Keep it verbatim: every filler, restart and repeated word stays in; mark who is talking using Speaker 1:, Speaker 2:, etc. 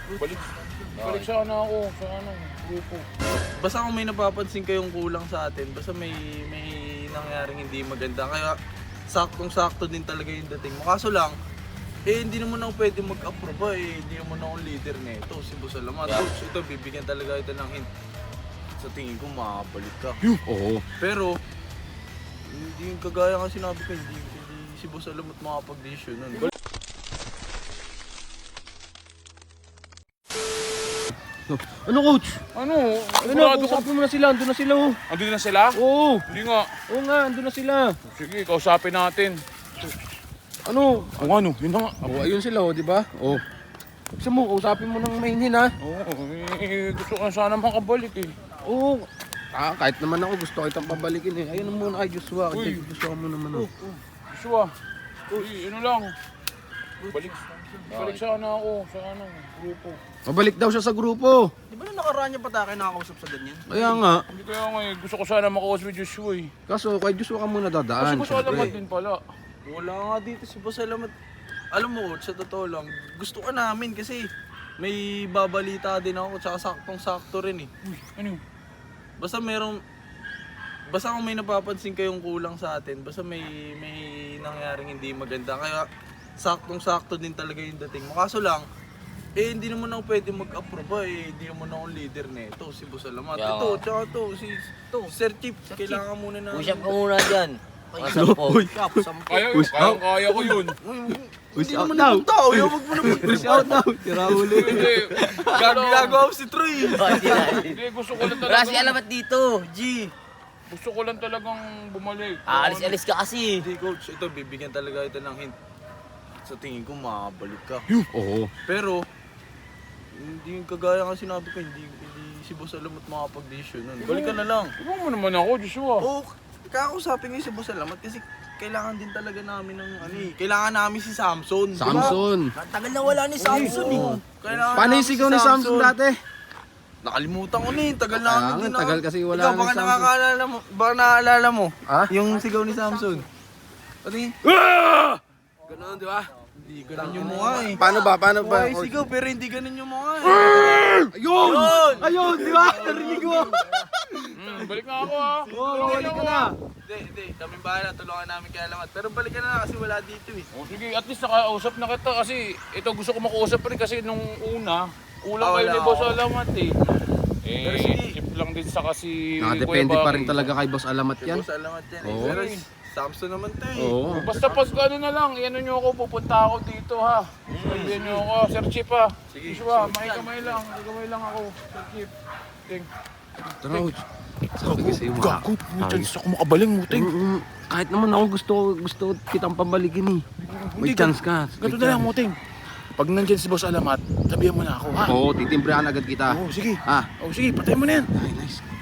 Speaker 1: Balik. Balik sana ako sa ano, grupo.
Speaker 2: Basta kung may napapansin kayong kulang sa atin, basta may may nangyaring hindi maganda. Kaya saktong-sakto din talaga yung dating mo. Kaso lang, eh hindi naman ako pwede mag-approve eh. Hindi naman ako leader nito, si Boss Alamat.
Speaker 3: Yeah.
Speaker 2: Coach, ito bibigyan talaga ito ng hint. Sa tingin ko makakapalit ka.
Speaker 3: Oo.
Speaker 2: Pero, hindi yung kagaya nga sinabi ko, hindi, hindi si Boss Alamat makapag-decision nun.
Speaker 3: Ano coach?
Speaker 1: Ano?
Speaker 3: Ano,
Speaker 1: Sigurado ka?
Speaker 3: kausapin mo na sila, andun na sila oh.
Speaker 1: Andun na sila?
Speaker 3: Oo.
Speaker 1: Hindi nga.
Speaker 3: Oo nga, andun na sila.
Speaker 1: Sige, kausapin natin.
Speaker 3: Ano?
Speaker 1: Kung ano, yun na nga.
Speaker 3: Oh, ayun sila oh, di ba? Oh. Gusto mo, kausapin mo ng mainin ha?
Speaker 1: Oo, eh, gusto ko sana makabalik eh.
Speaker 3: Oo. Ah, kahit naman ako gusto kitang pabalikin eh. Ayun muna kay Joshua,
Speaker 1: Uy.
Speaker 3: kasi Joshua mo naman oh.
Speaker 1: Joshua, uy, ano lang. Balik, balik sana ako sa ano, grupo.
Speaker 3: Mabalik daw siya sa grupo.
Speaker 2: Di ba na nakaraan niya patake nakakausap sa ganyan?
Speaker 3: Kaya nga.
Speaker 1: Hindi kaya nga eh, gusto ko sana makausap with Joshua eh.
Speaker 3: Kaso kay Joshua ka muna
Speaker 1: Kasi
Speaker 3: dadaan.
Speaker 1: gusto alamat din pala.
Speaker 2: Wala nga dito si Boss Alamat. Alam mo, sa totoo lang, gusto ka namin kasi may babalita din ako tsaka saktong-sakto rin eh.
Speaker 1: Uy, ano?
Speaker 2: Basta merong basta kung may napapansin kayong kulang sa atin, basta may may nangyaring hindi maganda. Kaya saktong-sakto din talaga yung dating mo. Kaso lang, eh hindi naman ako pwede mag-approve eh. Hindi naman ako leader nito, si Boss Alamat.
Speaker 4: Kaya
Speaker 2: Ito,
Speaker 4: nga.
Speaker 2: tsaka to, si to, Sir Chief, kailangan muna na.
Speaker 4: Push up ka muna dyan. Mga sampo.
Speaker 1: Kaya yun,
Speaker 3: Push
Speaker 1: kaya,
Speaker 3: out.
Speaker 1: kaya ko yun.
Speaker 3: Push
Speaker 2: Hindi
Speaker 3: out
Speaker 2: naman
Speaker 3: daw.
Speaker 2: akong tao, yung wag mo na
Speaker 3: Push out daw. Tira uli.
Speaker 1: Hindi,
Speaker 2: Gag- Ginagawa ko si Troy.
Speaker 4: Oh, hindi na.
Speaker 1: hindi, gusto ko lang
Speaker 4: Wala
Speaker 1: talagang,
Speaker 4: si Alamat dito, G.
Speaker 1: gusto ko lang talagang bumalik.
Speaker 4: Aalis-alis ka kasi.
Speaker 2: Hindi coach, ito bibigyan talaga ito ng hint. Sa tingin ko makakabalik ka.
Speaker 3: Oo.
Speaker 2: Pero, hindi yung kagaya nga sinabi ko, hindi, hindi si Boss Alamat makapag-decision nun. Balik ka na lang.
Speaker 1: Iba mo naman ako, Joshua.
Speaker 2: Oo, kakausapin ko yung si Boss Alamat kasi kailangan din talaga namin ng ano eh. Kailangan namin si Samson. di ba?
Speaker 3: Samson.
Speaker 4: Tagal na wala ni Samson eh.
Speaker 2: Oo, kailangan
Speaker 3: Paano yung
Speaker 2: namin
Speaker 3: sigaw ni Samson dati?
Speaker 2: Nakalimutan ko na eh. Tagal na
Speaker 3: Kaya
Speaker 2: kami
Speaker 3: nga,
Speaker 2: din
Speaker 3: tagal kasi wala
Speaker 2: Ikaw,
Speaker 3: ng
Speaker 2: baka
Speaker 3: Samson.
Speaker 2: nakakaalala mo. Baka naaalala mo.
Speaker 3: Ha?
Speaker 2: Yung sigaw ni Samson. Ano yun?
Speaker 3: Ganun, di ba?
Speaker 2: Hindi ganun yung mukha eh.
Speaker 3: Paano ba? Paano ba?
Speaker 2: Mukha yung sigaw pero hindi ganun yung mukha eh.
Speaker 3: Ayun! Ayun, di ba? Narinig mo.
Speaker 1: Hmm, balik na ako ha.
Speaker 3: Oo, balik ka na.
Speaker 2: Hindi, hindi. Kami bahala. Tulungan namin kay Alamat. Pero balik ka na lang kasi wala dito eh.
Speaker 1: O sige, at least nakausap na kita kasi ito gusto ko makausap rin kasi nung una, kulang
Speaker 2: Ah,
Speaker 1: kayo
Speaker 2: wala
Speaker 1: ni Boss
Speaker 2: ako.
Speaker 1: Alamat eh.
Speaker 2: Pero
Speaker 1: Eh,
Speaker 2: sige.
Speaker 1: tip lang din sa kasi
Speaker 3: Nakadepende pa rin
Speaker 1: Baki.
Speaker 3: talaga kay Boss Alamat
Speaker 2: Si
Speaker 3: yan.
Speaker 2: Boss Alamat yan eh.
Speaker 3: Oo.
Speaker 2: Pero si Samson naman to eh.
Speaker 3: Oo.
Speaker 1: Basta pag ano na lang, iano nyo ako, pupunta ako dito ha. Sabihan nyo ako, Sir Chief ha.
Speaker 2: Sige.
Speaker 1: Joshua, makikamay lang, makikamay lang ako, Sir Chief. Ting.
Speaker 3: Tara, Coach. Sabi kasi yung mga...
Speaker 1: Gago, chance ako makabaling mo, Ting.
Speaker 3: Mm, mm, kahit naman ako gusto gusto kitang pabalikin eh. May
Speaker 1: Hindi,
Speaker 3: chance ka.
Speaker 1: Ganito na lang mo, Ting. Pag nandyan si Boss Alamat, sabihan mo na ako ha.
Speaker 3: Oo, titimbrihan agad kita.
Speaker 1: Oo, sige.
Speaker 3: Ah,
Speaker 1: Oh, sige, patay mo na yan.
Speaker 3: ay, nice.